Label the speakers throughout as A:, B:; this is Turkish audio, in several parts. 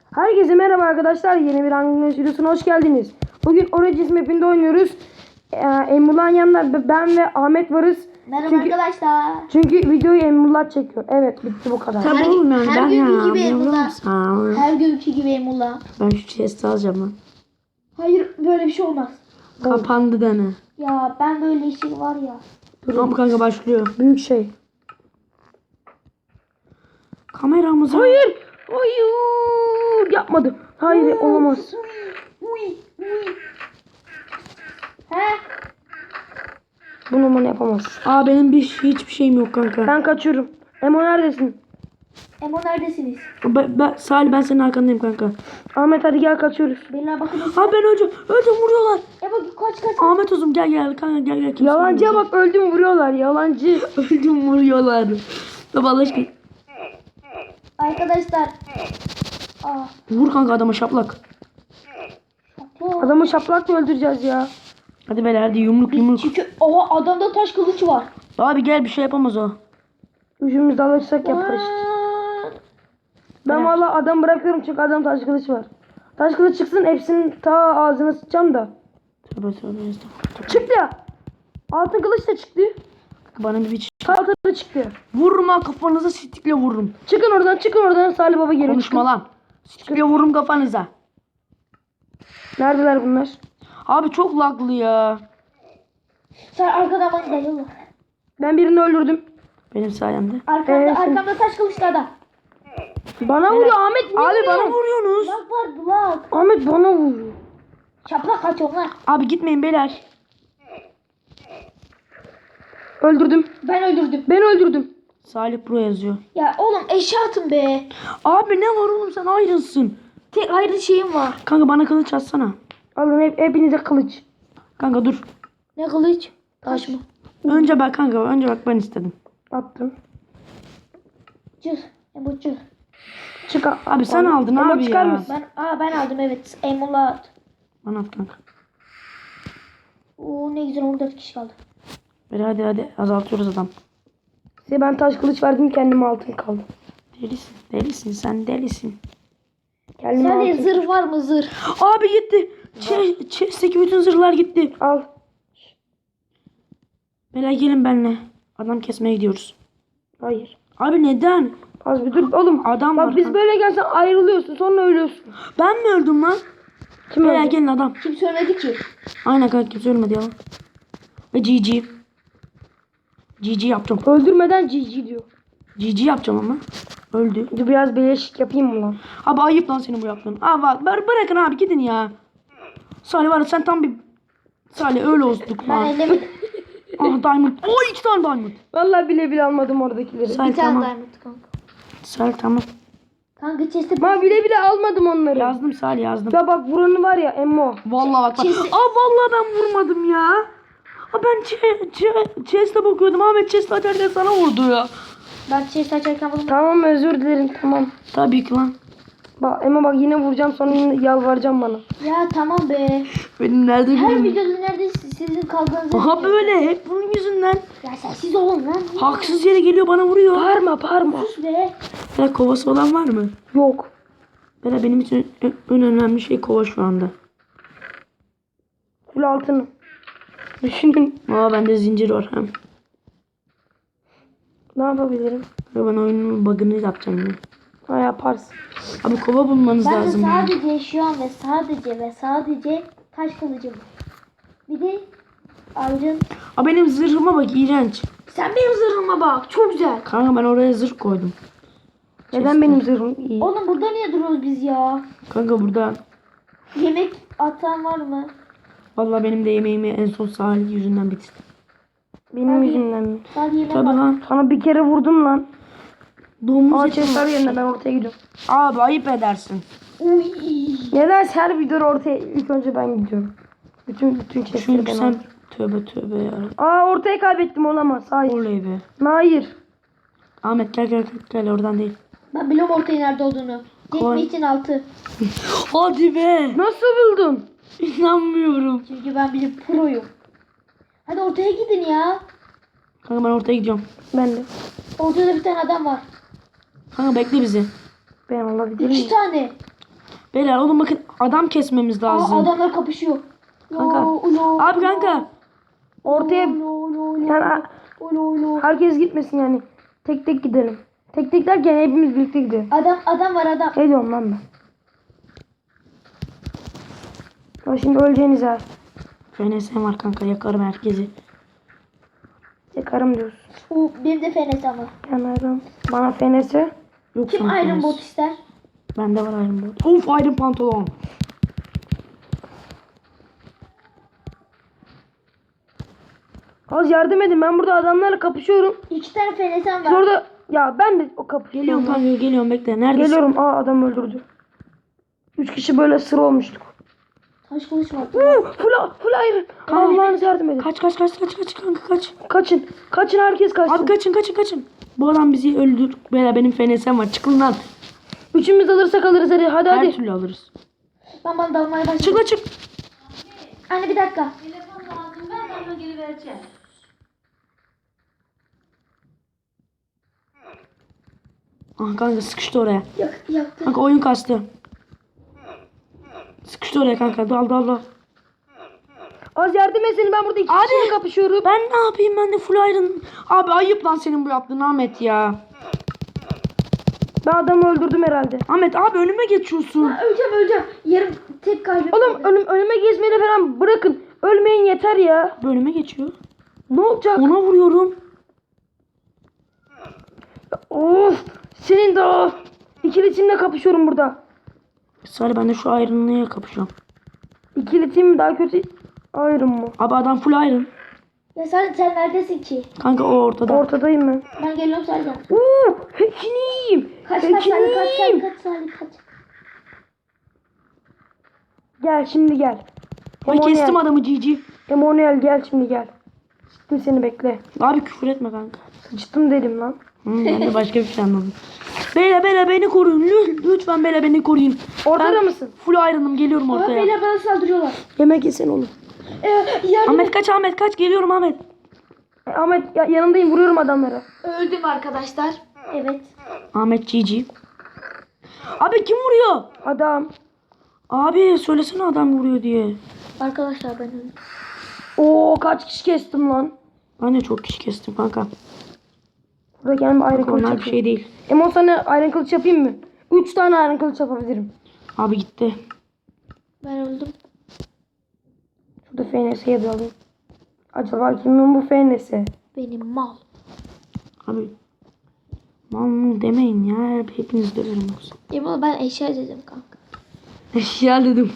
A: Herkese merhaba arkadaşlar. Yeni bir Hunger videosuna hoş geldiniz. Bugün Origins map'inde oynuyoruz. Emrullah yanında ben ve Ahmet varız.
B: Merhaba arkadaşlar.
A: Çünkü videoyu Emrullah çekiyor. Evet, bitti bu kadar.
B: Tabii olmuyor. Her günkü gibi Emrullah. Her günkü gibi Emrullah.
C: Ben şu chest'i alacağım lan.
B: Hayır, böyle bir şey olmaz.
C: Kapandı dene.
B: Ya ben böyle işim var ya.
C: Tamam kanka başlıyor.
A: Büyük şey.
C: Kameramız.
A: Hayır. Hayır. Yapmadım. Hayır, olamaz.
B: Uy. He?
A: Bunu bana yapamaz.
C: Aa benim hiçbir şeyim yok kanka.
A: Ben kaçıyorum. Emo neredesin?
B: Emo neredesiniz?
C: Salih ben senin arkandayım kanka.
A: Ahmet hadi gel, kaçıyoruz.
B: Beyler bakın.
C: Ha ben öleceğim. Öleceğim, vuruyorlar.
B: Emo kaç.
C: Ahmet uzun gel kanka gel. Kimse
A: Yalancıya
C: vurmuyor.
A: bak, öldüm, vuruyorlar. Yalancı.
C: Öldüm, vuruyorlar. Baba Allah aşkına.
B: Arkadaşlar.
C: Vur kanka adama şaplak.
A: Adamı şaplakla öldüreceğiz ya.
C: Hadi beyler hadi yumruk.
B: Çünkü adamda taş kılıç var.
C: Abi gel bir şey yapamaz o.
A: Üçümüz de alırsak yaparız. Ben valla adam bırakıyorum çünkü adam taş kılıç var. Taş kılıç çıksın, hepsinin ta ağzına sıçacağım da.
C: Tövbe estağfurullah.
A: Çıktı ya. Altın kılıç da çıktı.
C: Bana bir biç.
A: Altın da çıktı.
C: Vurma kafanıza stikle vururum.
A: Çıkın oradan Salih Baba geliyor.
C: Konuşma lan. Stikle vururum kafanıza.
A: Neredeler bunlar?
C: Abi çok laglı ya.
B: Sen arkadan bana dayalı.
A: Ben birini öldürdüm.
C: Benim sayemde.
B: Arkamda taş kılıçlı adam.
A: Bana vuruyor Ahmet. Niye
C: Abi bana
A: vuruyor?
C: vuruyorsunuz.
B: Lag var lag.
A: Ahmet bana vuruyor.
B: Çaplak kaçıyor lan.
C: Abi gitmeyin beyler.
A: Öldürdüm.
B: Ben öldürdüm.
A: Ben öldürdüm.
C: Salih Pro yazıyor.
B: Ya oğlum eşya atın be.
C: Abi ne var oğlum sen ayrılsın.
B: Tek ayrı şeyim var.
C: Kanka bana kılıç atsana.
A: Alın hepinize kılıç.
C: Kanka dur.
B: Ne kılıç? Taş mı?
C: Önce bak ben istedim.
A: Attım.
B: Cır. Emo cır.
A: Çık.
C: Abi sen aldın
A: Emo
C: abi
A: çıkar
C: ya.
A: mısın?
B: Ben aldım evet. Emo'la at.
C: Bana at kanka.
B: Oo ne güzel 14 kişi kaldı.
C: Hadi azaltıyoruz adam.
A: Size ben taş kılıç verdim, kendime altın kaldı.
C: Delisin sen delisin.
A: Kendime
B: Sende
A: altın.
B: zırh var mı zırh?
C: Abi gitti. Chest'teki bütün zırhlar gitti.
A: Al.
C: Beyler gelin benimle. Adam kesmeye gidiyoruz.
A: Hayır.
C: Abi neden?
A: Az bir dur oğlum.
C: Adam
A: Bak
C: var
A: biz
C: kanka.
A: böyle gelsen ayrılıyorsun, sonra ölüyorsun.
C: Ben mi öldüm lan?
A: Kim
C: Beyler
A: öldü?
C: gelin adam.
B: Kim söylemedi ki?
C: Aynen kanka kimse ölmedi ya. Ve GG. GG yaptım.
A: Öldürmeden GG diyor.
C: GG yapacağım ama. Öldü.
A: Dur biraz beleşik yapayım mı lan?
C: Abi ayıp lan senin bu yaptığın. Abi bak bırakın abi gidin ya. Salih var ya sen tam bir... Salih öyle olduk
B: Ben
C: lan.
B: ellemedim.
C: Ah diamond. Oo 2 tane diamond.
A: Vallahi bile almadım oradakileri.
C: Salih
B: Bir tane
C: tamam.
B: diamond kanka.
C: Salih tamam.
B: Kanka chest'e
A: Ben bile almadım onları.
C: Yazdım Salih yazdım.
A: Ya bak vuranı var ya Emmo.
C: Vallahi bak.
B: Chest'e-
C: Vallahi ben vurmadım ya. Ben chest'e bakıyordum. Ahmet chest'e açarken sana vurdu ya.
B: Ben chest açarken buldum.
A: Tamam, özür dilerim, tamam.
C: Tabii ki lan.
A: Bak Emmo, bak yine vuracağım, sonra yine yalvaracağım bana.
B: Ya tamam be.
C: Benim nerede
B: Her
C: gülüm?
B: videoda nerede sizin kavganızı.
C: Aha böyle hep bunun yüzünden.
B: Ya sensiz olun lan.
C: Haksız yere geliyor bana vuruyor.
A: Bağırma.
B: Sus be.
C: Ya kovası olan var mı?
A: Yok.
C: Böyle benim için en önemli şey kova şu anda.
A: Full altını. Düşünün.
C: Aa bende zincir var hem.
A: Ne yapabilirim?
C: Ben oyunun bug'ını yapacağım yine.
A: Ha, yaparsın.
C: Abi kova bulmanız
B: Ben de
C: lazım. ya.
B: sadece şu an ve sadece taş kılıcım var. Bir de ayrın.
C: Aa benim zırhıma bak iğrenç.
B: Sen benim zırhıma bak. Çok güzel.
C: Kanka ben oraya zırh koydum.
A: Neden benim zırhım iyi?
B: Oğlum burada niye duruyoruz biz ya?
C: Kanka burada
B: Yemek atan var mı?
C: vallahi benim de yemeğimi en son Salih yüzünden bitirdim.
A: Benim yüzümden mi?
B: Sadece yemek
C: Tabii
B: var.
C: lan.
A: Sana bir kere vurdum lan.
C: Domuz
A: Aa,
C: eti
A: chest var
C: mi?
A: yerine, ben ortaya gidiyorum.
C: Abi ayıp edersin.
B: Uy.
A: Neden her videoda ortaya ilk önce ben gidiyorum? Bütün chestleri
C: Çünkü
A: ben
C: sen
A: aldım.
C: tövbe ya.
A: Aa, ortaya kaybettim, olamaz. Hayır.
C: Oley be.
A: Hayır.
C: Ahmet gel oradan değil.
B: Ben biliyorum ortaya nerede olduğunu.
C: Koy.
B: Geçme için altı.
C: Hadi be.
A: Nasıl buldun?
C: İnanmıyorum.
B: Çünkü ben bir proyum. Hadi ortaya gidin ya.
C: Kanka ben ortaya gidiyorum.
A: Ben de.
B: Ortada bir tane adam var.
C: Kanka bekle bizi.
A: Ben olabilir
B: 3
A: miyim?
B: tane.
C: Beyler oğlum bakın adam kesmemiz lazım.
B: Adamlar kapışıyor.
C: Kanka. Abi kanka.
A: Ortaya yani herkes gitmesin yani. Tek tek gidelim. Tek tek derken hepimiz birlikte gidelim.
B: Adam var adam.
A: Ne diyorum lan ben? Ya şimdi öleceğiniz ha.
C: FNS'm var kanka yakarım herkesi.
A: Yakarım diyorsun.
B: Benim de fenes ama.
A: Yanarım. Bana FNS.
C: Yok
B: Kim
C: sana
B: Iron
C: FNS.
B: Bot ister?
C: Bende var Iron Bot. Of Iron pantolon.
A: Az yardım edin. Ben burada adamlarla kapışıyorum.
B: 2 tane fenesem
A: Siz
B: var.
A: orada ya ben de o kapışıyorum.
C: Geliyorum kanka geliyorum bekle. Neredesin?
A: Geliyorum. Aa adam öldürdü. 3 kişi böyle sıra olmuştuk.
B: Taş kılıç var.
A: Full iron. Allah'ınız yardım edin.
C: Kaç kanka kaç.
A: Kaçın. Kaçın herkes kaçsın.
C: Abi kaçın. Bu adam bizi öldür. Beyler benim FNS'm var. Çıkın lan.
A: Üçümüz alırsak alırız hadi. Hadi
C: Her
A: hadi.
C: türlü alırız.
B: Ben bana dalmaya başladım.
C: Çık lan çık.
B: Anne bir dakika.
C: Ah kanka sıkıştı oraya.
B: Yaktı.
C: Kanka oyun kastı. Sıkıştı oraya kanka. Dal.
A: Az yardım etsin. Ben burada iki
C: Abi.
A: kişiyle kapışıyorum.
C: Ben ne yapayım ben de full iron. Abi ayıp lan senin bu yaptığın Ahmet ya.
A: Ben adamı öldürdüm herhalde.
C: Ahmet abi önüme geçiyorsun.
B: Öleceğim. Yarım tek kalbim.
A: Oğlum önüme gezmeyi falan bırakın. Ölmeyin yeter ya.
C: Bu önüme geçiyor.
A: Ne olacak?
C: Ona vuruyorum.
A: Of. Senin de o. İkili timle kapışıyorum burada.
C: Sadece ben de şu iron'lıya kapışıyorum.
A: İkili tim mi daha kötü? Ayrım mı?
C: Abi adam full iron.
B: Ya sen neredesin ki?
C: Kanka o ortada.
A: Ortadayım ben.
B: Ben geliyorum Sercan.
A: Hekiniyim.
B: Kaç Salih kaç.
A: Gel şimdi gel.
C: Ben kestim adamı GG.
A: Emanuel gel şimdi gel. Sıktım seni bekle.
C: Abi küfür etme kanka.
A: Sıçtım dedim lan.
C: Ben de başka bir şey anladım. Beyler beni koruyun. Lütfen beyler beni koruyun.
A: Ortada
C: Ben
A: mısın?
C: Full iron'ım geliyorum
B: Ama
C: ortaya.
B: beyler bana saldırıyorlar.
A: Yemek yesen oğlum.
B: Yardım
C: Ahmet kaç geliyorum Ahmet.
A: Ahmet yanındayım vuruyorum adamlara.
B: Öldüm arkadaşlar. Evet.
C: Ahmet GG. Abi kim vuruyor?
A: Adam.
C: Abi söylesene adam vuruyor diye.
B: Arkadaşlar ben öldüm.
A: Oo kaç kişi kestim lan.
C: Ben de çok kişi kestim kanka.
A: Burada kendime iron kılıç
C: Onlar bir
A: yapayım.
C: şey değil.
A: Emon sana iron kılıç yapayım mı? 3 tane iron kılıç yapabilirim.
C: Abi gitti.
B: Ben öldüm.
A: Şurada FNS'ye de alayım. Acaba kimin bu FNS?
B: Benim mal.
C: Abi. Mal demeyin ya. Hepiniz döverim yoksa.
B: Yemin ben eşya dedim kanka.
C: Eşya dedim.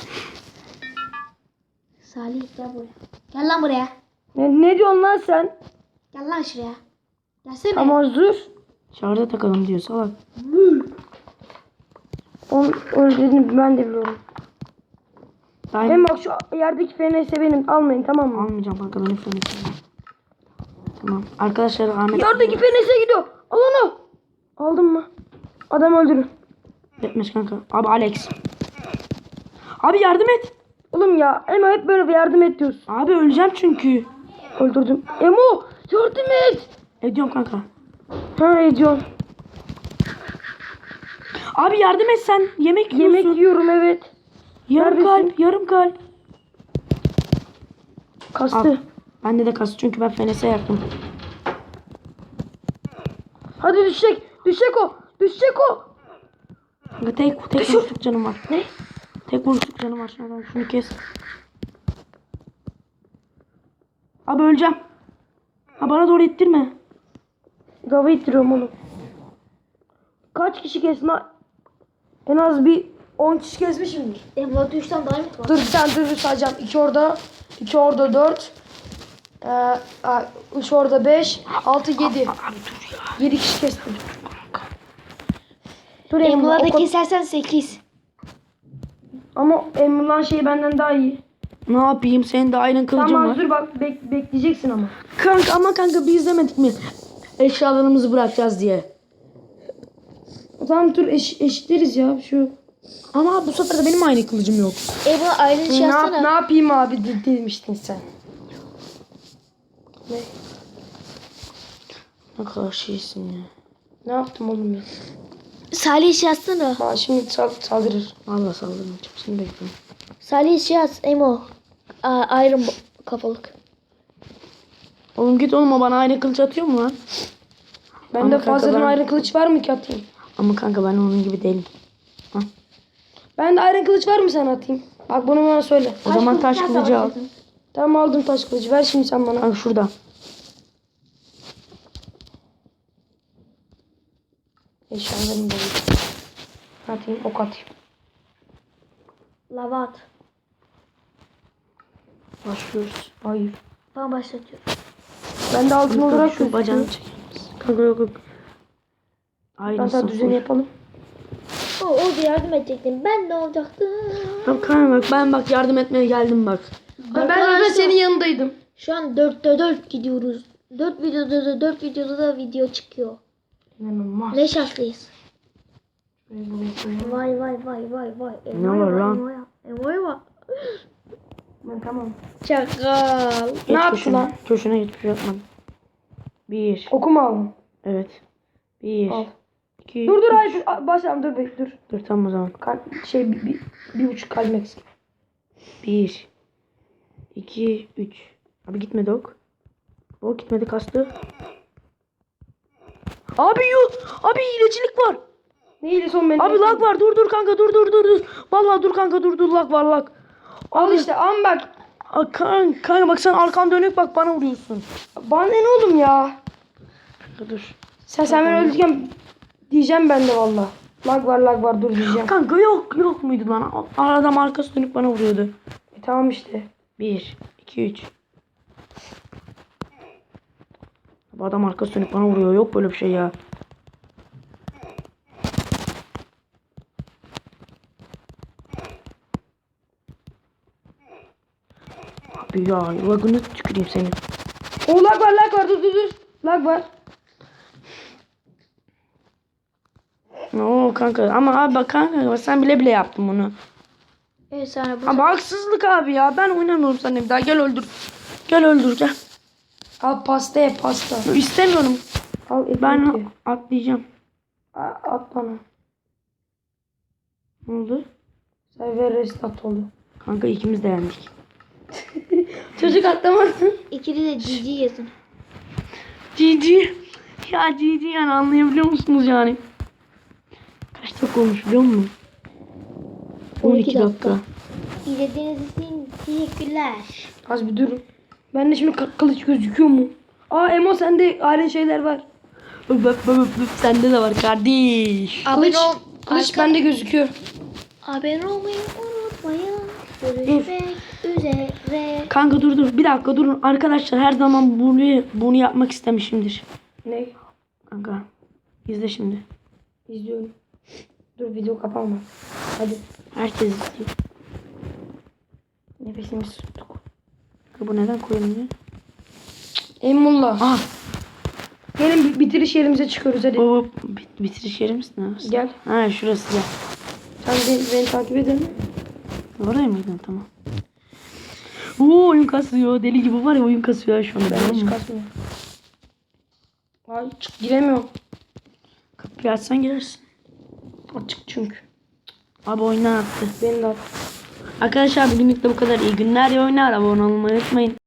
B: Salih gel buraya. Gel lan buraya.
A: Ne diyorsun lan sen?
B: Gel lan şuraya. Gelsene.
A: Ama dur.
C: Şarja takalım diyor salak.
A: Onun öyle dediğini ben de biliyorum.
C: Ben
A: Hem bak şu yerdeki FNS benim. Almayın tamam mı?
C: almayacağım kanka benim FNS'im. Tamam. Arkadaşlar Ahmet.
A: Yerdeki FNS gidiyor. Al onu. Aldın mı? Adam öldürün.
C: Etmez kanka. Abi Alex. Abi yardım et.
A: Oğlum ya Emo hep böyle bir yardım et diyorsun.
C: Abi öleceğim çünkü.
A: Öldürdüm. Emo yardım et.
C: Ediyorum kanka.
A: Ha ediyorum.
C: Abi yardım et sen. Yemek yiyorsun.
A: Yemek yiyorum evet.
C: Yarım
A: Neredesin?
C: kalp. Yarım kalp.
A: Kastı.
C: Al. Bende de kas çünkü ben FNS'e yaktım.
A: Hadi düşecek. Düşecek o. Düşecek o.
C: Kanka tek vuruşluk canım var.
A: Ne?
C: Tek vuruşluk canım var. Şunu kes. Abi öleceğim. Ha bana doğru ittirme.
A: Dava ittiriyorum oğlum. Kaç kişi kestin ha? En az bir 10 kişi kesmişimdir.
B: Emlak 3 tane diamond var.
A: Dur sen dur sayacağım. 2 orada. 2 orada 4. 3 orada 5. 6 7.
C: Abi dur ya.
A: 7 kişi kestim. Dur Emrullah.
B: Emlak'ı da kesersen 8.
A: Ama Emrullah'ın şeyi benden daha iyi.
C: Ne yapayım? Senin de aynen kılıcın
A: Tamam
C: var.
A: dur bak bekleyeceksin ama.
C: Kanka biz demedik mi? Eşyalarımızı bırakacağız diye.
A: Tamam dur eşitleriz ya şu.
C: Ama bu sefer de benim aynı kılıcım yok.
B: Emlak ayrı şey yapsana.
A: Ne yapayım abi demiştin sen. Ne?
C: Ne kadar şeysin ya.
A: Ne yaptım oğlum ya?
B: Salih yazsana.
A: Aa, şimdi saldırır.
C: Valla saldırmayacağım. Şimdi bekliyorum.
B: Salih yaz Emo. Iron kafalık.
C: Oğlum git oğlum, o bana aynı kılıç atıyor mu lan?
A: Bende
C: Ama kanka
A: fazladan
C: ben-
A: ayrı kılıç var mı ki atayım?
C: Ama kanka ben onun gibi değilim.
A: Bende ayrı kılıç var mı sen atayım? Bak bunu bana söyle.
C: O zaman taş kılıcı al.
A: Tamam aldım taş kılıcı. Ver şimdi sen bana.
C: Kanka şurada.
A: Eşyalarımı da atayım. Ok atayım.
B: Lava at.
C: Başlıyoruz.
A: Hayır.
B: Ben başlatıyorum.
A: Ben de altın olarak
C: Şu bacağını
A: gözüküyor.
C: çeker misin? Kanka yok yok.
A: Ben
C: Aynısı.
A: sana düzeni yapalım.
B: O da yardım edecektim. Ben ne olacaktım?
C: Kanka bak, ben bak yardım etmeye geldim bak.
A: Ben de senin yanındaydım.
B: Şu an 4'te 4 gidiyoruz. 4 videoda da video çıkıyor.
A: İnanılmaz.
B: Ne şanslıyız.
A: Buraya koyalım.
B: Vay vay vay vay vay.
C: Ne var lan?
B: Emo'ya bak.
A: Ben tamam.
B: Çakal.
C: Geç
A: Ne yaptı
C: köşene.
A: lan?
C: Köşene hiçbir şey yapmadım. 1.
A: Oku mu aldın?
C: Evet. 1.
A: Al.
C: 2.
A: Dur hayır. Başlayalım dur be dur.
C: Dur tamam o zaman.
A: Bir buçuk kalbim eksik.
C: 1. 2. 3. Abi gitmedi ok. O gitmedi, kastı. Abi yok. Abi hilecilik var.
A: Ne iyiydi son benim.
C: Abi lag var. Dur kanka dur. Vallahi dur kanka dur lag var lag.
A: Al işte ama bak.
C: Kanka bak, sen arkan dönük bak, bana vuruyorsun.
A: Bana ne oğlum ya?
C: Kanka dur.
A: Sen beni öldürürken diyeceğim ben de valla. Lag var dur diyeceğim.
C: Kanka yok muydu lan? Adam arkası dönük bana vuruyordu.
A: Tamam işte.
C: 1, 2, 3. Bu adam arkası dönük bana vuruyor. Yok böyle bir şey ya. Abi ya, lagını tüküreyim senin.
A: O lag var dur. Lag var.
C: Oo kanka, ama abi bak kanka, sen bile yaptın bunu.
B: Evet sana bu.
C: Ama haksızlık abi ya. Ben oynamıyorum seninle bir daha. Gel öldür. Gel.
A: Al pasta ye pasta.
C: İstemiyorum.
A: Al ekmek
C: Ben
A: ye.
C: atlayacağım.
A: At bana.
C: Ne oldu?
A: Server restart oldu.
C: Kanka ikimiz de yendik.
A: Çocuk atlamadı.
B: İkili de GG yazın.
C: GG. Ya GG yani, anlayabiliyor musunuz yani? Kaç dakika olmuş biliyor musun? 12 dakika.
B: İzlediğiniz için teşekkürler.
A: Az bir durun. Bende şimdi kılıç gözüküyor mu? Aa Emo sende aynı şeyler var.
C: Bak, sende de var kardeş.
A: Kılıç bende gözüküyor.
B: Abone olmayı unutmayın. Görüşmek üzere.
C: Kanka dur. Bir dakika durun. Arkadaşlar her zaman bunu yapmak istemişimdir.
A: Ne?
C: Kanka. İzle şimdi.
A: İzliyorum. Dur video kapanma. Hadi.
C: Herkes izliyor.
A: Nefesimizi tuttuk.
C: Kanka bu neden koyulmuyor?
A: Emullah.
C: Ah.
A: Gelin bitiriş yerimize çıkıyoruz hadi.
C: Baba bitiriş yerimiz ne?
A: Gel.
C: Ha şurası gel.
A: Sen beni takip edelim.
C: Oraya mıydın? Tamam. Oo, oyun kasıyor. Deli gibi var ya, oyun kasıyor şu anda.
A: Ben hiç kasmıyorum. Ay giremiyorum.
C: Kapıyı açsan girersin.
A: Açık çünkü.
C: Abi oyundan attı.
A: Beni de at.
C: Arkadaşlar bugünlük de bu kadar. İyi günler, iyi oyunlar. Abone olmayı unutmayın.